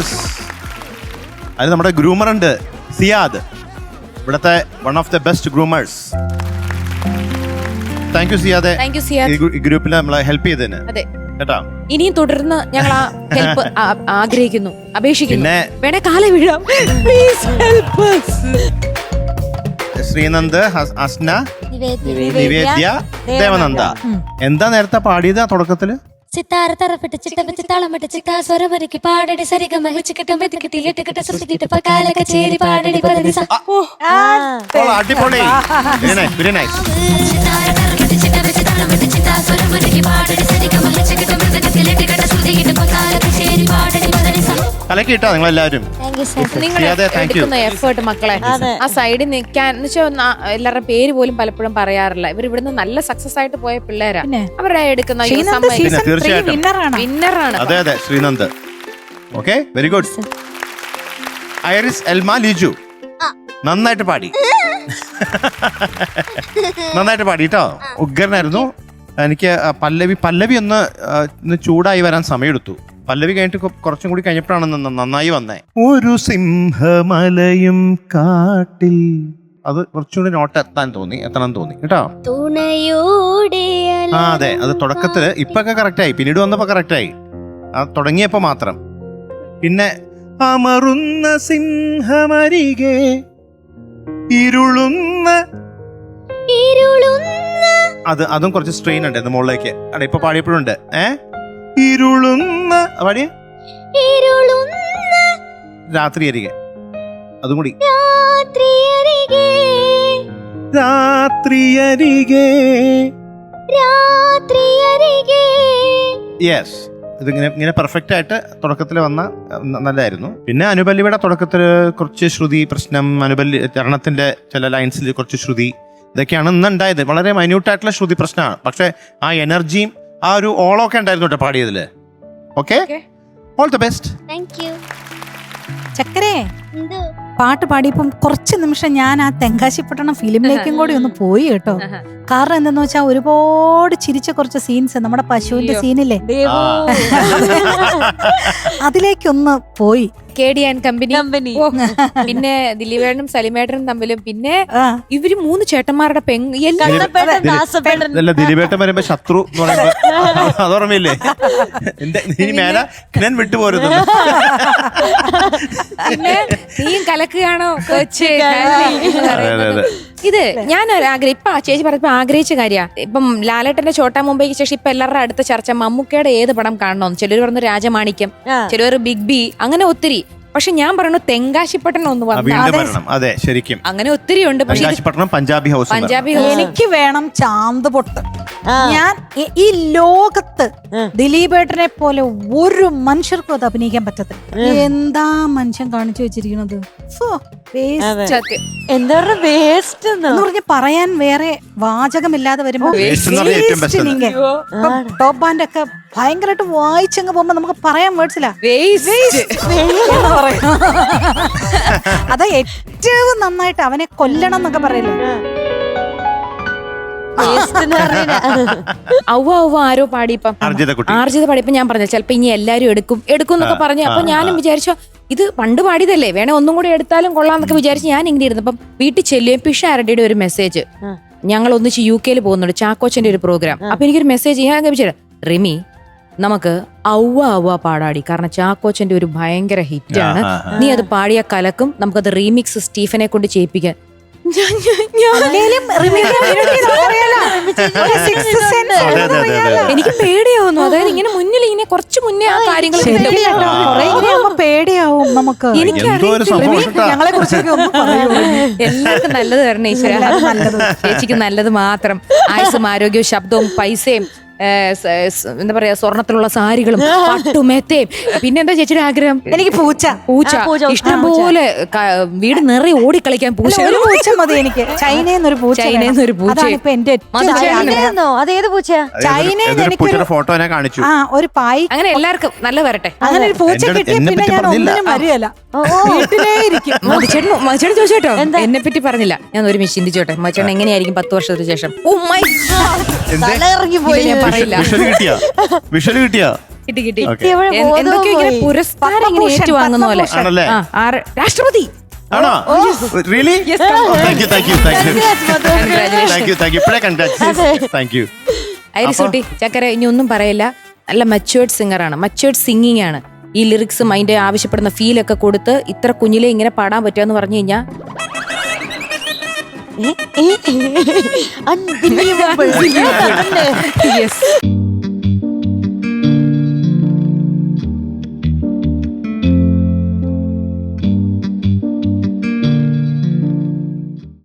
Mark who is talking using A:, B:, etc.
A: Groomers. അതിൽ നമ്മുടെ groomer ഉണ്ട് സിയാദ്, ഇവിടുത്തെ one of the best groomers. Thank you സിയാദെ, ഈ ഗ്രൂപ്പിൽ നമ്മളെ ഹെൽപ്പ് ചെയ്തതിന്.
B: അതെ
A: കേട്ടോ,
B: ഇനിയും തുടർന്ന് ഞങ്ങൾ ആ ഹെൽപ്പ് ആഗ്രഹിക്കുന്നു, അപേക്ഷിക്കുന്നു. വേണേ കാല വീഴാം. Please help us.
A: Sreenand, Asna, Nivedya, Devananda. എന്താ നേരത്തെ പാടിയത് തുടക്കത്തില്?
C: സിത്താര തറപ്പെട്ട് ചിട്ടവെച്ച് താളമിട്ട് ചിത്താ സ്വരമൊരുക്കി പാടടി സരിഗമ വെച്ചുകിട്ടും വെതുക്കിട്ടിട്ട് സൃഷ്ടിക്കിട്ട് പക്കാല കച്ചേരി പാടടി പരതി
A: അടിപൊളി, വെരി നൈസ്. കലക്കി ഇട്ടോ നിങ്ങളെല്ലാവരും.
B: നിങ്ങൾ എടുക്കുന്ന എഫേർട്ട് മക്കളെ, ആ സൈഡിൽ നിൽക്കാൻ എന്ന് വെച്ചാൽ എല്ലാവരുടെ പേര് പോലും പലപ്പോഴും പറയാറില്ല. ഇവർ ഇവിടുന്ന് നല്ല സക്സസ് ആയിട്ട് പോയ പിള്ളേരാ. അവരുടെ എടുക്കുന്ന വിന്നറാണ്.
A: അതെ അതെ, Sreenand. Okay, very good. Iris Elma Liju നന്നായിട്ട് പാടി, നന്നായിട്ട് പാടി കേട്ടോ, ഉഗ്രനായിരുന്നു. എനിക്ക് പല്ലവി ഒന്ന് ചൂടായി വരാൻ സമയമെടുത്തു. പല്ലവി കഴിഞ്ഞിട്ട് കുറച്ചും കൂടി കഴിഞ്ഞപ്പോഴാണ് നന്നായി വന്നേ. ഒരു സിംഹമലയും കാട്ടിൽ, അത് കുറച്ചുകൂടി എത്താൻ തോന്നി കേട്ടോ. ആ അതെ, അത് തുടക്കത്തില് ഇപ്പൊക്കെ കറക്റ്റായി, പിന്നീട് വന്നപ്പോ കറക്റ്റായി, ആ തുടങ്ങിയപ്പോ മാത്രം. പിന്നെ അമറുന്ന സിംഹമരികെ ഇരുളുന്ന, അതും കുറച്ച് സ്ട്രെയിൻ ഉണ്ട് മുകളിലേക്ക്. അവിടെ ഇപ്പൊ പാടിയപ്പോഴുണ്ട്. ഇരുളുന്ന പാടിയ രാത്രി അരികെ, അതും കൂടി രാത്രി അരികെ. യെസ്, ഇതിങ്ങനെ പെർഫെക്റ്റ് ആയിട്ട് തുടക്കത്തിൽ വന്ന നല്ലതായിരുന്നു. പിന്നെ അനുപല്ലിയുടെ തുടക്കത്തിൽ കുറച്ച് ശ്രുതി പ്രശ്നം, അനുപല്ലി ചരണത്തിന്റെ ചില ലൈൻസിൽ കുറച്ച് ശ്രുതി, ഇതൊക്കെയാണ് ഇന്നുണ്ടായത്. വളരെ മൈന്യൂട്ടായിട്ടുള്ള ശ്രുതി പ്രശ്നമാണ്. പക്ഷെ ആ എനർജിയും ആ ഒരു ഓളമൊക്കെ ഉണ്ടായിരുന്നു കേട്ടോ പാടിയതില്. Okay, all the best.
D: ചക്കരേ, പാട്ട് പാടിയപ്പം കുറച്ച് നിമിഷം ഞാൻ ആ തെങ്കാശിപ്പട്ടണം ഫിലിമിലേക്കും കൂടി ഒന്ന് പോയി കേട്ടോ. കാരണം എന്തെന്ന് വെച്ചാൽ ഒരുപാട് ചിരിച്ച കുറച്ച് സീൻസ്, നമ്മുടെ പശുവിന്റെ സീനില്ലേ, അതിലേക്കൊന്ന് പോയി.
B: KD & കമ്പനി, പിന്നെ ദിലീപേട്ടനും സലിമേട്ടനും തമ്മിലും, പിന്നെ ഇവര് 3 ചേട്ടന്മാരുടെ
A: ദിലീപേട്ടൻ വരുമ്പോ ശത്രു എന്ന് പറയുമ്പോ അതോർമ്മയില്ലേ, ഇനി മേല ഞാൻ വിട്ടുപോരുന്നു.
B: പിന്നെ നീയും കലക്കുകയാണോ കൊച്ച്. ഇത് ഞാനൊരാഗ്രഹം, ഇപ്പൊ ചേച്ചി പറഞ്ഞപ്പോ ആഗ്രഹിച്ച കാര്യ. ഇപ്പം ലാലേട്ടന്റെ ചോട്ടാ മുംബൈക്ക് ശേഷം ഇപ്പൊ എല്ലാവരുടെ അടുത്ത ചർച്ച മമ്മൂക്കയുടെ ഏത് പടം കാണണമെന്ന്. ചിലർ പറഞ്ഞു രാജമാണിക്യം, ചിലർ ബിഗ് ബി, അങ്ങനെ ഒത്തിരി. പക്ഷെ ഞാൻ പറഞ്ഞു തെങ്കാശിപ്പട്ടണം ഒന്ന് വന്നു.
A: അതെ, ശരിക്കും
B: അങ്ങനെ ഒത്തിരി ഉണ്ട്.
A: പഞ്ചാബി ഹൗസ്.
D: എനിക്ക് വേണം ചാന്ത് പൊട്ട്. ഞാൻ ഈ ലോകത്ത് ദിലീപേട്ടനെ പോലെ ഒരു മനുഷ്യർക്കും അത് അഭിനയിക്കാൻ പറ്റത്തില്ല. എന്താ മനുഷ്യൻ കാണിച്ചു വെച്ചിരിക്കുന്നത്,
E: എന്താ വേസ്റ്റ് എന്ന്
D: പറഞ്ഞ് പറയാൻ വേറെ വാചകമില്ലാതെ വരുമ്പോ ടോപ്പ് ബാൻഡ് ഒക്കെ ഭയങ്കരമായിട്ട് വായിച്ചങ്ങ് പോകുമ്പോ നമുക്ക് പറയാൻ വേർഡ്സില്ല. അത് ഏറ്റവും നന്നായിട്ട് അവനെ കൊല്ലണം എന്നൊക്കെ പറയില്ലേ.
B: ആരോ പാടിയപ്പം ആർജിത പാടിയപ്പോ ഞാൻ പറഞ്ഞു ചിലപ്പോ ഇനി എല്ലാരും എടുക്കും എന്നൊക്കെ പറഞ്ഞു. അപ്പൊ ഞാനും വിചാരിച്ചു ഇത് പണ്ട് പാടിയതല്ലേ, വേണേ ഒന്നും കൂടി എടുത്താലും കൊള്ളാന്നൊക്കെ വിചാരിച്ച് ഞാൻ ഇങ്ങനെ ഇരുന്നപ്പം വീട്ടിൽ ചെല്ലുകയും പിഷാരടിയുടെ ഒരു മെസ്സേജ്, ഞങ്ങൾ ഒന്നിച്ച് UK പോകുന്നുണ്ട്, ചാക്കോച്ചന്റെ ഒരു പ്രോഗ്രാം. അപ്പൊ എനിക്കൊരു മെസ്സേജ് ഞാൻ വിചാരിച്ചു, റിമി നമുക്ക് ഔവ പാടാടി, കാരണം ചാക്കോച്ചന്റെ ഒരു ഭയങ്കര ഹിറ്റാണ്, നീ അത് പാടിയ കലക്കും, നമുക്കത് റീമിക്സ് സ്റ്റീഫനെ കൊണ്ട് ചെയ്യിപ്പിക്കാൻ. എനിക്ക് പേടിയാവുന്നു. അതായത് ഇങ്ങനെ മുന്നിൽ ഇങ്ങനെ കുറച്ച് മുന്നേ ആ കാര്യങ്ങൾ
D: പേടിയാവും നമുക്ക്.
B: ഞങ്ങളെ കുറിച്ചൊക്കെ എല്ലാവർക്കും നല്ലത് തരണം ഈശ്വര, ചേച്ചിക്ക് നല്ലത് മാത്രം. ആയുസ്സും ആരോഗ്യവും ശബ്ദവും പൈസയും എന്താ പറയാ സ്വർണത്തിലുള്ള സാരികളും പട്ടുമെത്തയും. പിന്നെന്താ ചേച്ചിയുടെ ആഗ്രഹം?
D: എനിക്ക് പൂച്ച
B: ഇഷ്ടംപോലെ വീട് നിറയെ ഓടിക്കളിക്കാൻ പൂച്ച
D: മതി എനിക്ക്. ചൈനയെന്നൊരു പൂച്ച.
E: അതേത് പൂച്ചയാ?
D: ചൈനയിൽ എനിക്കൊരു
A: ഫോട്ടോ കാണിച്ചു.
D: ഒരു പായി.
B: അങ്ങനെ എല്ലാവർക്കും നല്ല വരട്ടെ.
D: അങ്ങനെ ഒരു പൂച്ച കിട്ടിയ പിന്നെ ഞാൻ ഒന്നിനും വരികയല്ല, വീട്ടിലേ ഇരിക്കും.
B: മച്ചേട്ടൻ ചോദിച്ചോട്ടോ, എന്നെ പറ്റി പറഞ്ഞില്ല. ഞാൻ ഒരു മിനിറ്റ് ചിന്തിച്ചോട്ടെ, മച്ചേട്ടൻ എങ്ങനെയായിരിക്കും 10 വർഷത്തിന് ശേഷം?
E: ഇറങ്ങി പോയി.
A: വിഷല് കിട്ടിയാ
B: കിട്ടി കിട്ടി
A: Okay.
E: എവിടെ ബോധവും
B: എന്തൊക്കെയോ ഇങ്ങനെ
E: പോയി.
B: പുരസ്കാരം ഇങ്ങനെ
D: പത്മഭൂഷൺ,
B: ഏറ്റുവാങ്ങുന്ന പോലെ
A: ആണല്ലേ?
B: രാഷ്ട്രപതി
A: ആണോ really thank you thank you thank you
E: Congrats, Madhu.
A: Thank you thank you ഇപ്പഴേ കൺഗ്രാറ്റുലേഷൻ താങ്ക് യു
B: ഐറിസുട്ടി ചക്കര ഇനി ഒന്നും പറയില്ല. നല്ല മച്ചുവേർഡ് സിംഗറാണ്, മച്ചുവേർഡ് സിംഗിങ് ആണ്. ഈ ലിറിക്സും അതിന്റെ ആവശ്യപ്പെടുന്ന ഫീലൊക്കെ കൊടുത്ത് ഇത്ര കുഞ്ഞിലെ ഇങ്ങനെ പാടാൻ പറ്റുമെന്ന് പറഞ്ഞു കഴിഞ്ഞാൽ
E: Unbelievable.
B: യെസ്